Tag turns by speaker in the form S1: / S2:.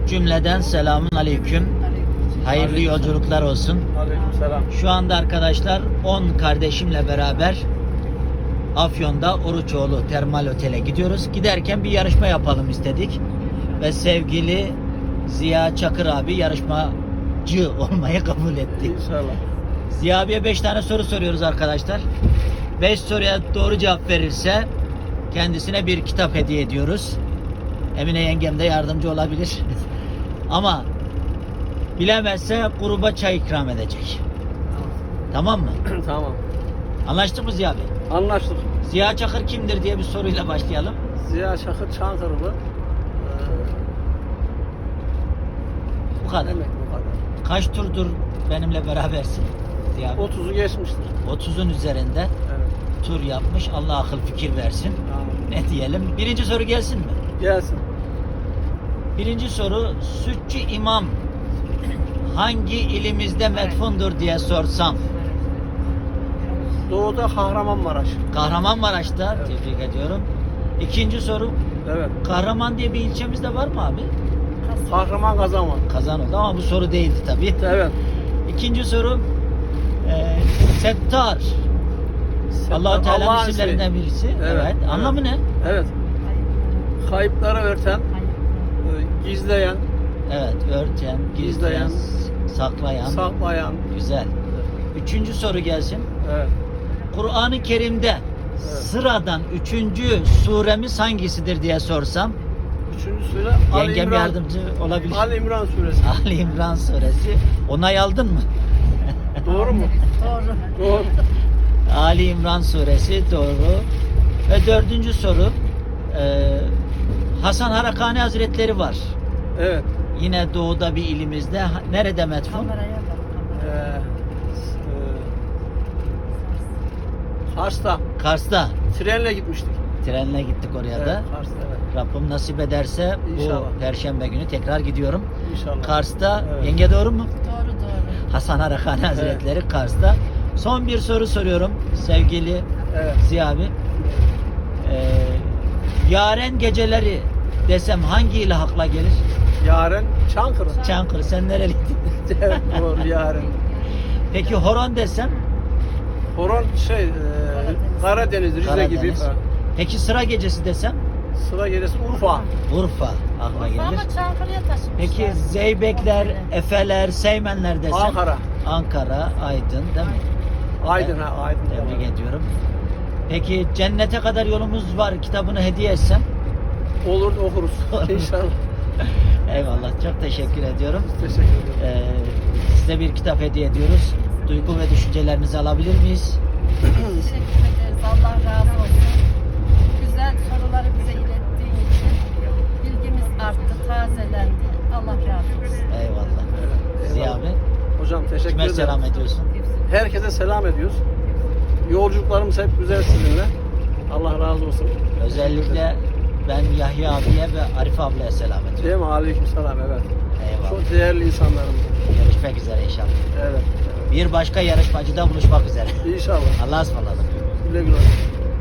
S1: Cümleden selamun aleyküm. Hayırlı yolculuklar olsun.
S2: Aleykümselam.
S1: Şu anda arkadaşlar 10 kardeşimle beraber Afyon'da Oruçoğlu Termal Otel'e gidiyoruz. Giderken bir yarışma yapalım istedik. Ve sevgili Ziya Çakır abi yarışmacı olmayı kabul etti.
S2: İnşallah.
S1: Ziya abiye 5 tane soru soruyoruz arkadaşlar. 5 soruya doğru cevap verirse kendisine bir kitap hediye ediyoruz. Emine yengem de yardımcı olabilir. Ama bilemezse gruba çay ikram edecek. Tamam mı?
S2: Tamam.
S1: Anlaştık mı Ziya abi?
S2: Anlaştık.
S1: Ziya Çakır kimdir diye bir soruyla başlayalım.
S2: Ziya Çakır Çankırılı.
S1: Bu kadar.
S2: Demek bu kadar.
S1: Kaç turdur benimle berabersin Ziya abi?
S2: 30'u geçmiştir.
S1: 30'un üzerinde
S2: Evet.
S1: tur yapmış. Allah akıl fikir versin.
S2: Tamam.
S1: Ne diyelim? Birinci soru gelsin mi?
S2: Gelsin.
S1: Birinci soru, Sütçü İmam hangi ilimizde metfundur diye sorsam.
S2: Doğuda Kahramanmaraş.
S1: Kahramanmaraş'ta,
S2: Evet.
S1: tebrik ediyorum. İkinci soru,
S2: Evet.
S1: Kahraman diye bir ilçemizde var mı abi?
S2: Kahraman Kazanman.
S1: Kazan oldu ama bu soru değildi tabii.
S2: Evet.
S1: İkinci soru, Settar. Allah-u Teala'nın
S2: Allah'ın
S1: isimlerinden
S2: ismi.
S1: birisi. Evet. Anlamı ne?
S2: Evet. Kayıpları örten, gizleyen,
S1: Evet, örten, gizleyen, saklayan.
S2: saklayan.
S1: Güzel. Üçüncü soru gelsin.
S2: Evet.
S1: Kur'an-ı Kerim'de sıradan üçüncü suremiz hangisidir diye sorsam.
S2: Üçüncü sure Ali
S1: Yengem
S2: İmran.
S1: yardımcı olabilir.
S2: Ali İmran suresi.
S1: Ali İmran suresi. Onay aldın mı?
S2: Doğru mu? Doğru.
S1: Ali İmran suresi doğru. Ve dördüncü soru, Hasan Harakani Hazretleri var.
S2: Evet.
S1: Yine doğuda bir ilimizde. Nerede metfun?
S2: Kars'ta
S1: Kars'ta.
S2: trenle gitmiştik.
S1: Trenle gittik oraya da.
S2: Evet, Kars'ta evet.
S1: Rabbim nasip ederse
S2: İnşallah.
S1: bu Perşembe günü tekrar gidiyorum.
S2: İnşallah.
S1: Kars'ta.
S2: Evet.
S1: Yenge doğru mu?
S3: Doğru.
S1: Hasan Harakani Hazretleri Kars'ta. Son bir soru soruyorum sevgili
S2: Evet.
S1: Ziya abi. Yaren geceleri desem hangi ile akla gelir?
S2: Yaren Çankırı.
S1: Çankırı. Sen nereliydin?
S2: Evet, doğru Yaren.
S1: Peki horon desem?
S2: Horon Karadeniz, Rize
S1: Karadeniz.
S2: gibi.
S1: Peki sıra gecesi desem?
S2: Sıra gelirse Urfa.
S1: Urfa akla gelir.
S3: Ama Çankırı'ya taşımışlar.
S1: Peki Zeybekler, Efeler, Seymenler desem?
S2: Ankara.
S1: Ankara, Aydın değil mi?
S2: Aydın ha, Aydın.
S1: Tebrik ediyorum. Peki cennete kadar yolumuz var kitabını hediye etsem?
S2: Olur okuruz. İnşallah.
S1: Eyvallah, çok teşekkür ediyorum.
S2: Teşekkür ederim.
S1: Size bir kitap hediye ediyoruz. Duygu ve düşüncelerinizi alabilir miyiz?
S3: Teşekkür ederiz. Allah razı olsun. Güzel soruları bize ilettiğin için bilgimiz arttı, tazelendi. Allah razı olsun.
S1: Eyvallah.
S2: Evet,
S1: Ziya
S2: eyvallah.
S1: abi,
S2: Hocam teşekkür
S1: kime
S2: ederim.
S1: selam ediyorsun?
S2: Herkese selam ediyoruz. Yolculuklarımız hep güzel sizinle. Allah razı olsun.
S1: Özellikle ben Yahya abiye ve Arif ablaya selam ediyorum.
S2: Değil mi? Aleykümselam, evet.
S1: Eyvallah.
S2: Çok değerli insanlarımız.
S1: Görüşmek üzere inşallah.
S2: Evet.
S1: Bir başka yarışmacıda buluşmak üzere.
S2: İnşallah.
S1: Allah'a ısmarladık.
S2: Güle güle.